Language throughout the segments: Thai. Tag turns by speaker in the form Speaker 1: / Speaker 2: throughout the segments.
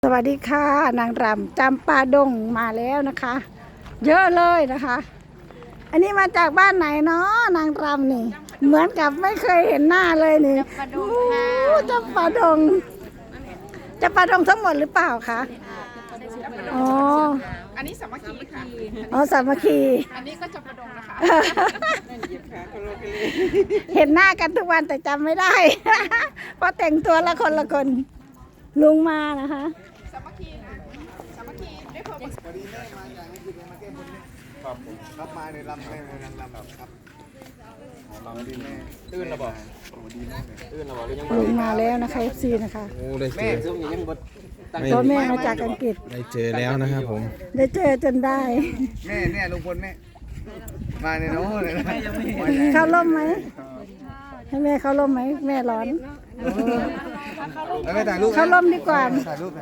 Speaker 1: สวัสดีค่ะนางรำจำปาดงมาแล้วนะคะ เยอะเลยนะคะ อันนี้มาจากบ้านไหนเนาะนางรำนี่เหมือนกับไม่เคยเห็นหน้าเลยนี่จำปาดงจำปาดงทั้งหมดหรือเปล่าคะอ๋อ
Speaker 2: อันนี้สามัคคีค่ะ
Speaker 1: อ๋อสามัคคี
Speaker 2: อันนี้ก็จำปาดงนะคะ
Speaker 1: เห็นหน้ากันทุกวันแต่จำไม่ได้ เพราะแต่งตัวละคนละคนลุงมานะคะ
Speaker 2: สามัคคีนะสามัคคีได้เพิ่ม
Speaker 3: พอดีแม่มาอย่างนี้คือมาแก้บนนี่ครับผมครับมาในลำแม่ในลำแบบครับลำดีแม่ตื่นระบอกดีแม่ตื่นระบอกยัง
Speaker 1: ลุงมาแล้วนะคะ FC นะคะ
Speaker 3: โอ้ได้เจอซึ่งยังบด
Speaker 1: พ่อแม่มาจากอังกฤษ
Speaker 3: ได้เจอแล้วนะครับผม
Speaker 1: ได้เจอจนได้
Speaker 3: แม่เนี่ยลุงพลแม่มาในน้องเลยนะ
Speaker 1: เข้าร่มไหมให้แม่เข้าร่มไหมแม่ร้อน
Speaker 3: แล้วไม่ถ่ายรูป
Speaker 1: เข้าร่มดีกว่า
Speaker 3: ถ่ายรูป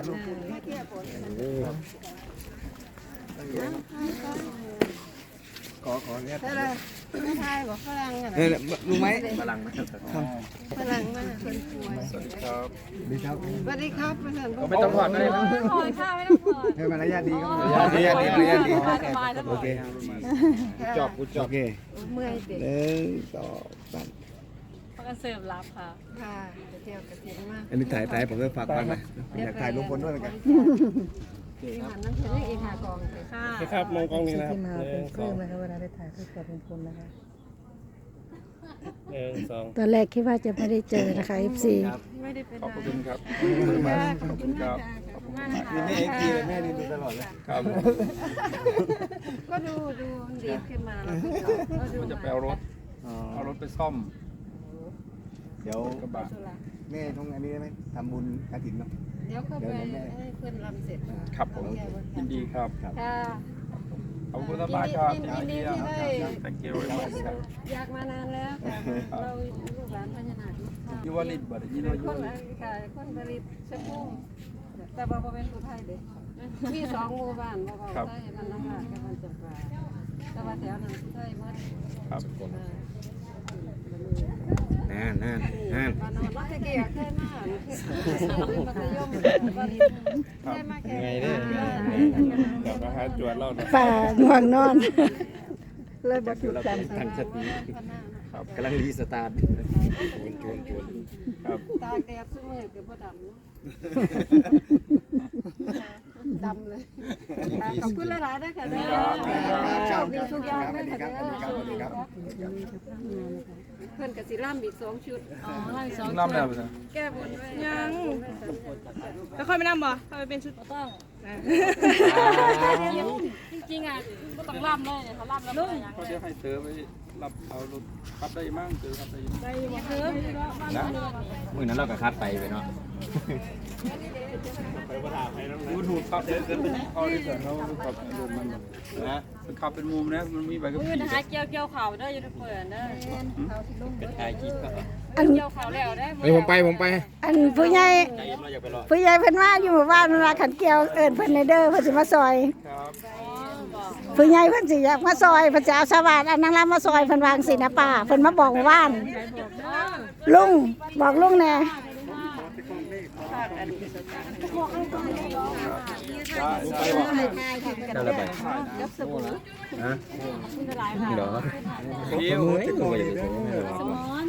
Speaker 3: ขอเนี่ย
Speaker 4: ไม่ทายบอกฝรั่งอ่ะ
Speaker 3: ลุงไหม
Speaker 4: ฝรั่งมาคนป่วย
Speaker 3: ดีครับ
Speaker 4: สวัสดีครับเพื่อน
Speaker 3: ไม่ต้องถอดก็ได้นะ
Speaker 5: ถอดค่ะไม่ต้องถอด
Speaker 3: ให้มารยาทดีครับมารยาทดีมารยาทดีโอเคจอบโอเค
Speaker 4: เมื่อยเด็ก
Speaker 3: หนึ่งสองสาม
Speaker 5: เขาก็เสิร์ฟรับค่ะ
Speaker 4: ค่ะไปเที่ยวกระถิ่นมาก
Speaker 3: อันนี้ถ่ายผมจะฝากบ้านไหมอยากถ่ายลุงพลด้วยเหมือนกัน
Speaker 4: ที่หันน้ำเชื่ออีกหากองเลย
Speaker 5: ค่ะ
Speaker 6: ครับมองกล้องนี้นะครับ
Speaker 1: ที่มาเป็นเครื่องนะคะเวลาได้ถ่ายรูปกับลุงพลนะคะ
Speaker 6: หนึ่งสอง
Speaker 1: ตอนแรกคิดว่าจะไม่ได้เจอนะคะ FC
Speaker 4: ไม่ได้เป็น
Speaker 6: ขอบคุณครับ
Speaker 4: ขอบคุณค่ะ
Speaker 3: นี่แม่เอ็กซ์เลยแม่นี่ดูตลอดเลย
Speaker 6: ครับ
Speaker 4: ก็ดูดีขึ้นมาแล้วก็ดู
Speaker 6: จะไปเอารถไปซ่อม
Speaker 3: เดี๋ยว
Speaker 6: กระบะ
Speaker 3: แม่ต้องอันนี้ได้ไหมทำบุญกฐินเนาะ
Speaker 4: เดี๋ยวก็ไปให้เพื่อนรำเสร็จ
Speaker 6: ครับผมยินดีครับ
Speaker 4: ค่ะ
Speaker 6: ขอบคุณมากครับ
Speaker 4: ยินดีที่ได้
Speaker 6: thank you very much ครับ
Speaker 4: อยากมานานแล้วแต่เราลูกหลานพญานาค
Speaker 6: ยูวาลิตบัดนี้เรายู
Speaker 4: ค
Speaker 6: วาน ลิต
Speaker 4: ค่ะคนผลิตเชฟพุ่งแต่บ่เป็นผู้ไทยเด้มีสองหมู่บ้านบ่ไทยมันน้ำลาดกับมันจับปลาแต่ว่าแถวนั้นผู้ไทยหมด
Speaker 6: ครับ
Speaker 3: นั่น
Speaker 4: บ้านนอนรักเกียร์เคยมามัธยมเคยมาแค่ไงเด้
Speaker 6: เดี๋ยวมาหาจวดเราเนาะ
Speaker 1: ป่าง่วงนอน เลยบอกถูกกัน
Speaker 3: ทางสติครับกำลังรีสตาร์ทจวน
Speaker 6: ครับ
Speaker 4: ตาแดดซุมือคือบ่ดำดำเลยขอบคุณหลายๆด้วยค่ะเด้อโชคดีทุกอย่างด้วยค่ะเด้อเพื่อนกับสิร่ำอีก2 ชุด
Speaker 5: อ๋อไล่สอง
Speaker 6: น้ำแล้วสิ
Speaker 4: แก้บนไว้
Speaker 2: ยังแล้วค่อยไปนั่งบ่ค่อยไปเป็นชุด
Speaker 5: ต้องจริงๆอ่ะก็ต้องล่ำเลยเขาล่ำแล้วไม่ยัง
Speaker 6: เขาจะให้เธอไปรับเอารถขับได้มั่งเธอขับได้มั่ง
Speaker 5: ได้มาเพิ่ม
Speaker 6: นะ
Speaker 3: มือนั้นเราก็คัดไปเนาะ
Speaker 6: ดูถูกครับเขาได้สอนเขาขับรถมันนะขับเป็นมุมนะมันมีใบกับ
Speaker 5: มือ
Speaker 6: ขี่
Speaker 5: นะฮะเกี่ยวเข่าได้ยูทูบเบอร์เด้อ
Speaker 6: เป็นถ่ายคลิปก็
Speaker 1: อัน
Speaker 5: เกี่ยวเข่าแล้วได้
Speaker 3: ผมไป
Speaker 1: อันผู้ใหญ่เพิ่นว่าอยู่หมู่บ้านเวลาขันเกี่ยวเอิ้นเพิ่นในเด้อเพิ่นสิมาซอย
Speaker 6: ครับ
Speaker 1: ผู้ใหญ่เพิ่นสิอยากมาซอยเพิ่นสิเอาชาวบ้านอันนางรำมาซอยเพิ่นวางสินะป้าเพิ่นมาบอกหมู่บ้านลุงบอกลุงแน่
Speaker 6: ไปบอก
Speaker 3: ได้แล้วไป
Speaker 4: กับสบู่
Speaker 3: ฮะเดี๋ยว
Speaker 6: เที่ยว
Speaker 3: มือตัวใหญ่
Speaker 5: สมอน